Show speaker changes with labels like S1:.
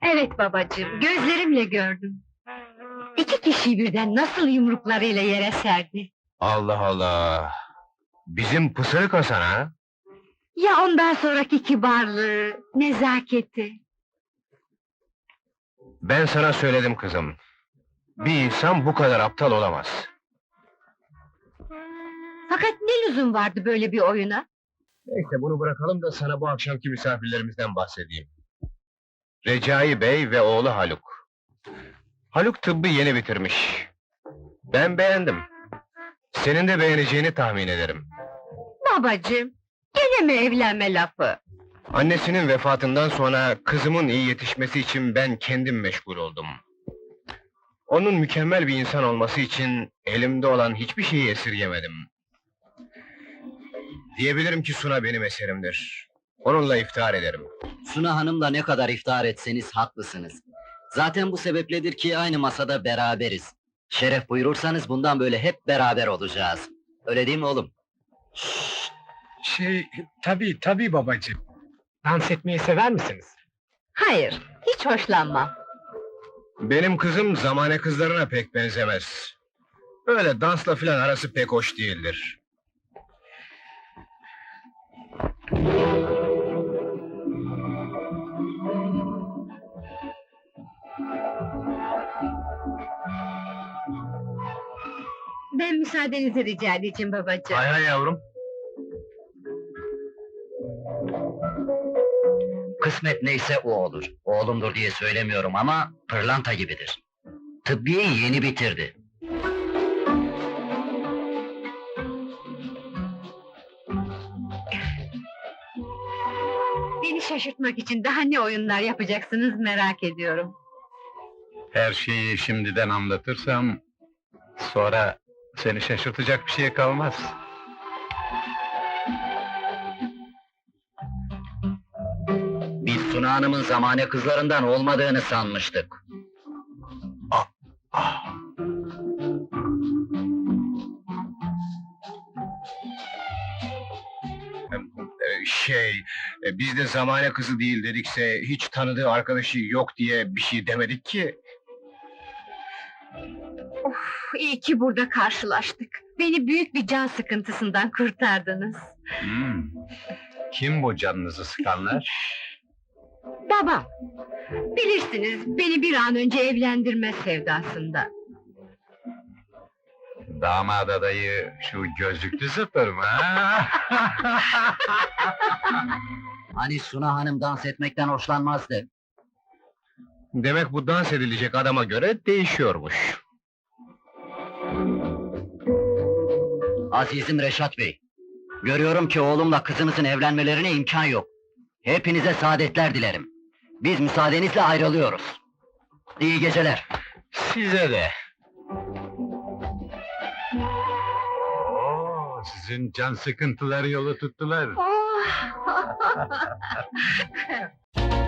S1: Evet babacığım, gözlerimle gördüm. İki kişiyi birden nasıl yumruklarıyla yere serdi.
S2: Allah Allah! Bizim Pısırık Hasan ha?
S1: Ya ondan sonraki kibarlığı, nezaketi.
S2: Ben sana söyledim kızım. Bir insan bu kadar aptal olamaz.
S1: Fakat ne lüzum vardı böyle bir oyuna?
S2: Neyse bunu bırakalım da sana bu akşamki misafirlerimizden bahsedeyim. Recai Bey ve oğlu Haluk. Haluk tıbbı yeni bitirmiş. Ben beğendim. Senin de beğeneceğini tahmin ederim.
S1: Babacığım, gene mi evlenme lafı?
S2: Annesinin vefatından sonra kızımın iyi yetişmesi için ben kendim meşgul oldum. Onun mükemmel bir insan olması için elimde olan hiçbir şeyi esirgemedim. Diyebilirim ki Suna benim eserimdir. Onunla iftihar ederim.
S3: Suna Hanım'la ne kadar iftihar etseniz haklısınız. Zaten bu sebepledir ki aynı masada beraberiz. Şeref buyurursanız bundan böyle hep beraber olacağız. Öyle değil mi oğlum?
S4: Tabii babacığım. Dans etmeyi sever misiniz?
S1: Hayır, hiç hoşlanmam.
S2: Benim kızım zamane kızlarına pek benzemez. Öyle dansla filan arası pek hoş değildir.
S1: Ben müsaadenizi rica edeceğim babacığım.
S2: Hay hay yavrum.
S3: Kısmet neyse o olur. Oğlumdur diye söylemiyorum ama pırlanta gibidir. Tıbbiyeyi yeni bitirdi.
S1: Beni şaşırtmak için daha ne oyunlar yapacaksınız merak ediyorum.
S5: Her şeyi şimdiden anlatırsam, sonra seni şaşırtacak bir şey kalmaz.
S3: Biz Suna Hanım'ın zamane kızlarından olmadığını sanmıştık.
S2: Biz de zamane kızı değil dedikse, hiç tanıdığı arkadaşı yok diye bir şey demedik ki.
S1: İyi ki burada karşılaştık. Beni büyük bir can sıkıntısından kurtardınız.
S5: Kim bu canınızı sıkanlar?
S1: Babam, bilirsiniz beni bir an önce evlendirme sevdasında.
S5: Damat adayı şu gözlüklü zıpır mı? Ha?
S3: Hani Suna Hanım dans etmekten hoşlanmazdı.
S2: Demek bu dans edilecek adama göre değişiyormuş.
S3: Azizim Reşat Bey, görüyorum ki oğlumla kızınızın evlenmelerine imkan yok. Hepinize saadetler dilerim. Biz müsaadenizle ayrılıyoruz. İyi geceler.
S2: Size de.
S5: Oo, sizin can sıkıntıları yolu tuttular.
S1: Oh!